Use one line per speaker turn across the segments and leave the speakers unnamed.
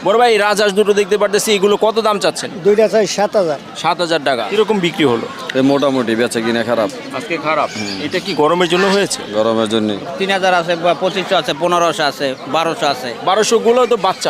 বড় ভাই রাজহাঁস দুটো দেখতে পারতেছি, এগুলো কত দাম চাচ্ছেন?
দুইটা চাই 7,000।
7,000 টাকা। কিরকম বিক্রি হলো?
মোটামুটি বেচা কিনা খারাপ।
আজকে খারাপ। এটা কি গরমের জন্য হয়েছে?
গরমের জন্য
3,000 আছে, 2500 আছে, 1500 আছে, 1200 আছে।
1200 গুলো তো বাচ্চা।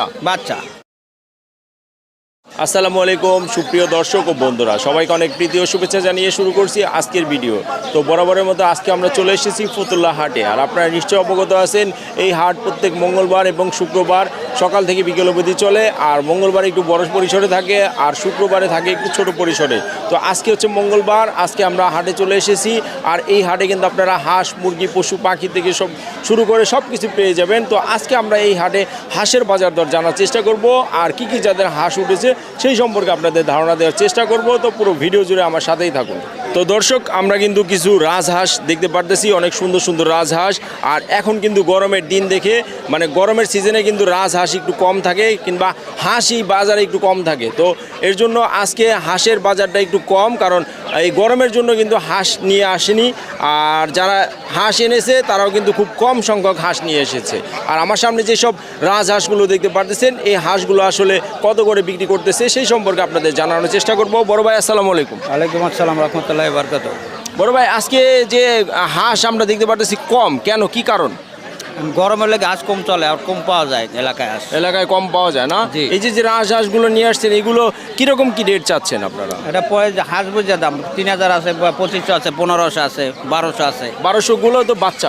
আসসালামু আলাইকুম সুপ্রিয় দর্শক ও বন্ধুরা, সবাইকে অনেক প্রীতি ও শুভেচ্ছা জানিয়ে শুরু করছি আজকের ভিডিও। তো বরাবরের মতো আজকে আমরা চলে এসেছি ফতুল্লা হাটে। আর আপনারা নিশ্চয়ই অবগত আছেন এই হাট প্রত্যেক মঙ্গলবার এবং শুক্রবার সকাল থেকে বিকেল অবধি চলে। আর মঙ্গলবার একটু বড় পরিসরে থাকে আর শুক্রবারে থাকে একটু ছোট পরিসরে। তো আজকে হচ্ছে মঙ্গলবার, আজকে আমরা হাটে চলে এসেছি। আর এই হাটে কিন্তু আপনারা হাঁস, মুরগি, পশু পাখি থেকে সব শুরু করে সব কিছু পেয়ে যাবেন। তো আজকে আমরা এই হাটে হাঁসের বাজার দর জানার চেষ্টা করব, আর কি কি যাদের হাঁস উঠেছে সেই সম্পর্কে আপনাদের ধারণা দেওয়ার চেষ্টা করব। তো পুরো ভিডিও জুড়ে আমার সাথেই থাকুন। তো দর্শক, আমরা কিন্তু কিছু রাজহাঁস দেখতে পারতেছি, অনেক সুন্দর সুন্দর রাজহাঁস। আর এখন কিন্তু গরমের দিন দেখে, মানে গরমের সিজনে কিন্তু রাজহাঁস একটু কম থাকে, কিংবা হাঁসই বাজারে একটু কম থাকে। তো এর জন্য আজকে হাঁসের বাজারটা একটু কম, কারণ এই গরমের জন্য কিন্তু হাঁস নিয়ে আসেনি। আর যারা হাঁস এনেছে তারাও কিন্তু খুব কম সংখ্যক হাঁস নিয়ে এসেছে। আর আমার সামনে যেসব রাজহাঁসগুলো দেখতে পারতেছেন, এই হাঁসগুলো আসলে কত করে বিক্রি করতেছে সেই সম্পর্কে আপনাদের জানানোর চেষ্টা করব। বড় ভাই আসসালামু আলাইকুম।
ওয়ালাইকুম আসসালাম রহমতুল্লাহি ওয়া বারাকাতুহু।
বড় ভাই, আজকে যে হাঁস আমরা দেখতে পারতেছি কম, কেন, কি কারণ?
গরমের লেগে হাঁস কম চলে, আর কম পাওয়া যায়
এলাকায় কম পাওয়া যায় না।
জি।
এই যে রাজহাঁসগুলো নিয়ে আসছেন, এগুলো কিরকম কি রেট চাচ্ছেন আপনারা?
এটা পরে যে হাঁস বুঝে দাম 3,000 আছে, 2500 আছে, 1500 আছে, 1200 আছে।
1200 গুলো তো বাচ্চা।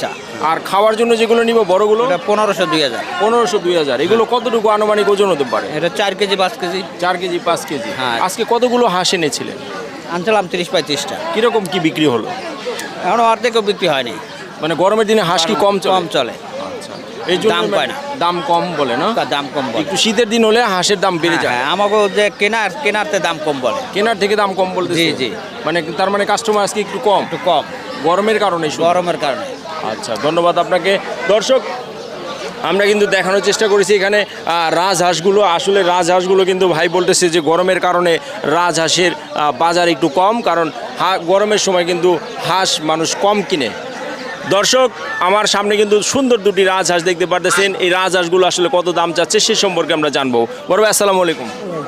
আর খাওয়ার জন্য যেগুলো নিব বড়গুলো?
এটা 1500, 2000।
1500, 2000। এগুলো কতটুকু আনুমানিক ওজন হতে পারে?
এটা 4 কেজি, 5 কেজি।
4 KG, 5 KG.
হ্যাঁ।
আজকে কতগুলো হাঁস এনেছিলেন?
আনছিলাম 30-35টা।
কিরকম কি বিক্রি হলো?
এখনো অর্ধেকও বিক্রি হয়নি।
মানে গরমের দিনে হাঁস কি কম
চলে।
আচ্ছা, এই জন্য
দাম পায় না।
দাম কম বলে না?
দাম কম বলে।
একটু শীতের দিন হলে হাঁসের দাম বেড়ে যায়।
হ্যাঁ, আমাকে যে কেনারতে দাম কম বলে।
কেনার থেকে দাম কম বলতে?
জি, জি।
মানে তার মানে কাস্টমার আজকে একটু কম। গরমের কারণে?
গরমের কারণে।
আচ্ছা, ধন্যবাদ আপনাকে। দর্শক, আমরা কিন্তু দেখানোর চেষ্টা করেছি এখানে রাজহাঁসগুলো। আসলে রাজহাঁসগুলো কিন্তু ভাই বলতেছে যে গরমের কারণে রাজহাঁসের বাজার একটু কম, কারণ গরমের সময় কিন্তু হাঁস মানুষ কম কিনে। দর্শক, আমার সামনে কিন্তু সুন্দর দুটি রাজহাঁস দেখতে পারতেছেন। এই রাজহাঁসগুলো আসলে কত দাম চাচ্ছে সে সম্পর্কে আমরা জানবো। বড় ভাই আসসালামু আলাইকুম।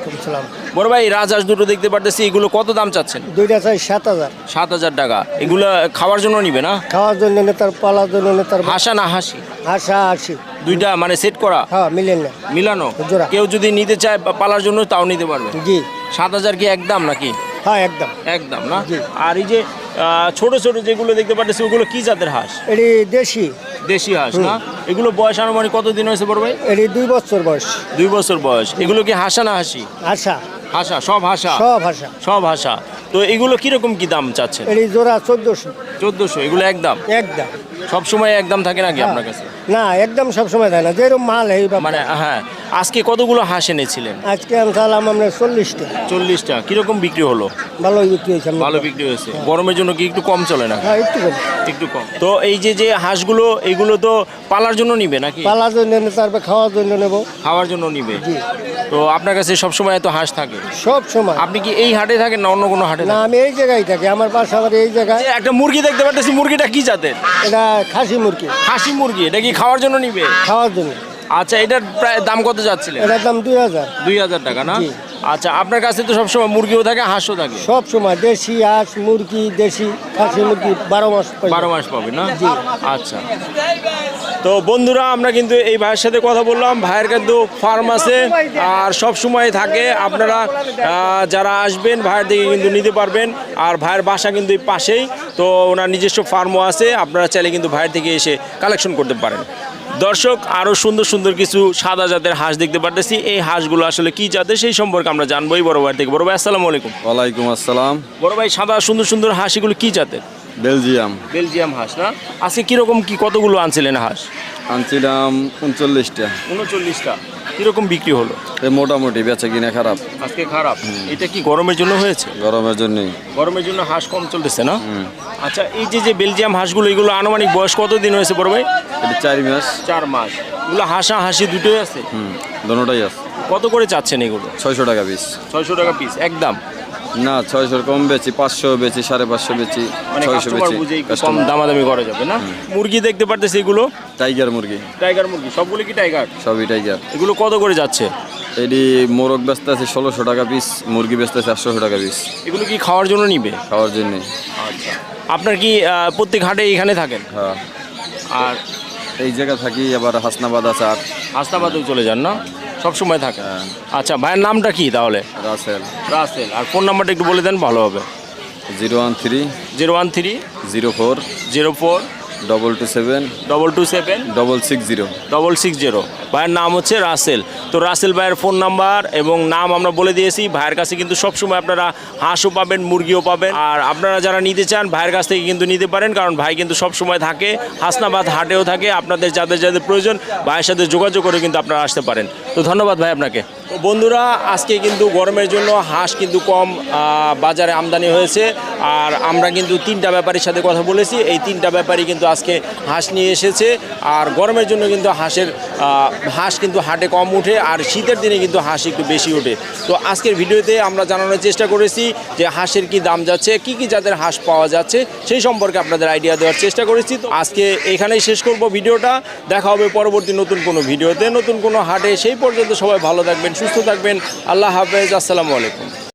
বড় ভাই, রাজহাঁস দুটো দেখতে পারতেছি, এগুলো কত দাম চাচ্ছেন?
দুইটা চাই 7,000।
7,000 টাকা। এগুলো খাওয়ার জন্য নিবে না?
খাওয়ার জন্য নেতার, পালার জন্য নেতার।
হাঁসা না হাসি?
হাঁসা হাসি
দুইটা মানে সেট করা?
হ্যাঁ,
মিলানো
জোড়া।
কেউ যদি নিতে চায় পালার জন্য তাও নিতে পারবে?
জি।
7,000 কি একদম নাকি?
হ্যাঁ, একদম
একদম না?
জি।
আর এই যে ছোট ছোট যেগুলো দেখতে পাচ্ছি, ওগুলো কি জাতের হাঁস?
এটি দেশি।
দেশি হাঁস না? এগুলো বয়স আনুমানিক কতদিন হয়েছে বড় ভাই?
এটি 2 বছর বয়স।
2 বছর বয়স। এগুলো কি হাসা না হাসি?
হাঁসা।
হাসা, সব হাসা?
সব হাঁসা।
সব হাসা। তো এগুলো কিরকম কি দাম চাচ্ছেন?
এটি জোড়া 1400।
1400। এগুলো একদম?
একদম।
সব সময় একদম থাকে নাকি আপনার কাছে?
না, একদম সবসময় দেয় না, যেরকম মাল এই
মানে হ্যাঁ। আজকে কতগুলো হাঁস এনেছিলেন?
আজকে আনছিলাম আমরা 40টা।
40টা। কিরকম বিক্রি হলো?
ভালোই বিক্রি হয়েছে।
ভালো বিক্রি হয়েছে। গরমের জন্য কি একটু কম চলে না?
হ্যাঁ, একটু কম।
একটু কম। তো এই যে হাঁসগুলো, এগুলো তো পালার জন্য নিবে নাকি?
পালার জন্য তারপর খাওয়ার জন্য নেব।
খাওয়ার জন্য নিবে?
জি।
তো আপনার কাছে সবসময় এত হাঁস থাকে?
সব সময়।
আপনি কি এই হাটে থাকেন না অন্য কোনো হাটে?
না, আমি এই জায়গায় থাকি, আমার বাসা আমার এই জায়গায়।
একটা মুরগি দেখতে পাচ্ছি, মুরগিটা কি জাতের?
এটা খাসি মুরগি।
খাসি মুরগি। এটা কি খাওয়ার জন্য নিবে?
খাওয়ার জন্য।
আচ্ছা, এটার প্রায় দাম কত যাচ্ছিলেন?
এটার দাম 2000।
2000 টাকা না?
জি।
আচ্ছা, আপনার কাছে তো সবসময় মুরগিও থাকে, হাঁসও থাকে?
সব সময় দেশি হাঁস, মুরগি, দেশি খাসি মুরগি 12 মাস।
12 মাস পাবে না? জি। আচ্ছা, তো বন্ধুরা, আমরা কিন্তু এই ভাইয়ের সাথে কথা বললাম। ভাইয়ের কিন্তু ফার্ম আছে আর সব সময় থাকে। আপনারা যারা আসবেন ভাইয়ের দিকে কিন্তু নিতে পারবেন। আর ভাইয়ের বাসা কিন্তু এই পাশেই, তো ওনার নিজস্ব ফার্মও আছে। আপনারা চাইলে কিন্তু ভাইয়ের থেকে এসে কালেকশন করতে পারেন। দর্শক, আরও সুন্দর সুন্দর কিছু সাদা জাতের হাঁস দেখতে পারতেছি। এই হাঁসগুলো আসলে কি জাতের সেই সম্পর্কে আমরা জানবোই বড় ভাইয়ের থেকে। বড় ভাই আসসালামু আলাইকুম।
ওয়ালাইকুম আসসালাম।
বড় ভাই, সাদা সুন্দর সুন্দর হাঁস, এগুলো কি জাতের? বেলজিয়াম হাঁস না? আজকে কিরকম কি কতগুলো আনছিলেন হাঁস?
আনছিলাম 39টা।
39টা। কিরকম বিক্রি হলো?
মোটামুটি বেচা কিনা খারাপ।
আজকে খারাপ। এটা কি গরমের জন্য হয়েছে?
গরমের জন্যই।
গরমের জন্য হাঁস কম চলতেছে না? আচ্ছা, এই যে বেলজিয়াম হাঁসগুলো, এগুলো আনুমানিক বয়স কতদিন হয়েছে বড় ভাই?
এটা 4 মাস।
4 মাস। এগুলো হাঁসা হাসি দুটোই আছে?
দুটোটাই আছে।
কত করে চাচ্ছেন এগুলো?
600 টাকা পিস।
600 টাকা পিস একদম?
না, 600 কম বেচি, 500 বেচি, 550 বেচি,
মানে
600
কাস্টমার
বেচি।
বুঝে একটু কম দামাদামি করা যাবে না? মুরগি দেখতে পারতেছি, এগুলো
টাইগার মুরগি।
টাইগার মুরগি। সবগুলো কি টাইগার?
সবই টাইগার।
এগুলো কত করে যাচ্ছে?
এটি মোরগ ব্যস্ত আছে 1600 টাকা পিস, মুরগি ব্যস্ত আছে 800 টাকা পিস
এগুলো কি খাওয়ার জন্য নিবে?
খাওয়ার জন্যে।
আপনার কি প্রত্যেক হাটে এখানে থাকেন?
হ্যাঁ,
আর
এই জায়গা থাকি, আবার হাসনাবাদ আছে আর
হাসনাবাদেও চলে যান না? সব সময় থাকে?
হ্যাঁ।
আচ্ছা, ভাইয়ের নামটা কি তাহলে?
রাসেল।
রাসেল। আর ফোন নাম্বারটা একটু বলে দেন, ভালো হবে।
013
013
04
04
227
227
660।
660। ভাইয়ের নাম হচ্ছে রাসেল। তো রাসেল ভাইয়ের ফোন নাম্বার এবং নাম আমরা বলে দিয়েছি। ভাইয়ের কাছে কিন্তু সবসময় আপনারা হাঁসও পাবেন, মুরগিও পাবেন। আর আপনারা যারা নিতে চান ভাইয়ের কাছ থেকে কিন্তু নিতে পারেন, কারণ ভাই কিন্তু সবসময় থাকে, হাসনাবাদ হাটেও থাকে। আপনাদের যাদের যাদের প্রয়োজন ভাইয়ের সাথে যোগাযোগ করে কিন্তু আপনারা আসতে পারেন। তো ধন্যবাদ ভাই আপনাকে। তো বন্ধুরা, আজকে কিন্তু গরমের জন্য হাঁস কিন্তু কম বাজারে আমদানি হয়েছে। আর আমরা কিন্তু 3টা ব্যাপারীর সাথে কথা বলেছি। এই 3টা ব্যাপারী কিন্তু আজকে হাঁস নিয়ে এসেছে। আর গরমের জন্য কিন্তু হাঁস কিন্তু হাটে কম উঠে, আর শীতের দিনে কিন্তু হাঁস একটু বেশি ওঠে। তো আজকের ভিডিওতে আমরা জানানোর চেষ্টা করেছি যে হাঁসের কি দাম যাচ্ছে, কি কি জাতের হাঁস পাওয়া যাচ্ছে, সেই সম্পর্কে আপনাদের আইডিয়া দেওয়ার চেষ্টা করেছি। তো আজকে এখানেই শেষ করব ভিডিওটা। দেখা হবে পরবর্তী নতুন কোনো ভিডিওতে, নতুন কোনো হাটে। সেই পর্যন্ত সবাই ভালো থাকবেন, সুস্থ থাকবেন। আল্লাহ হাফেজ, আসসালামু আলাইকুম।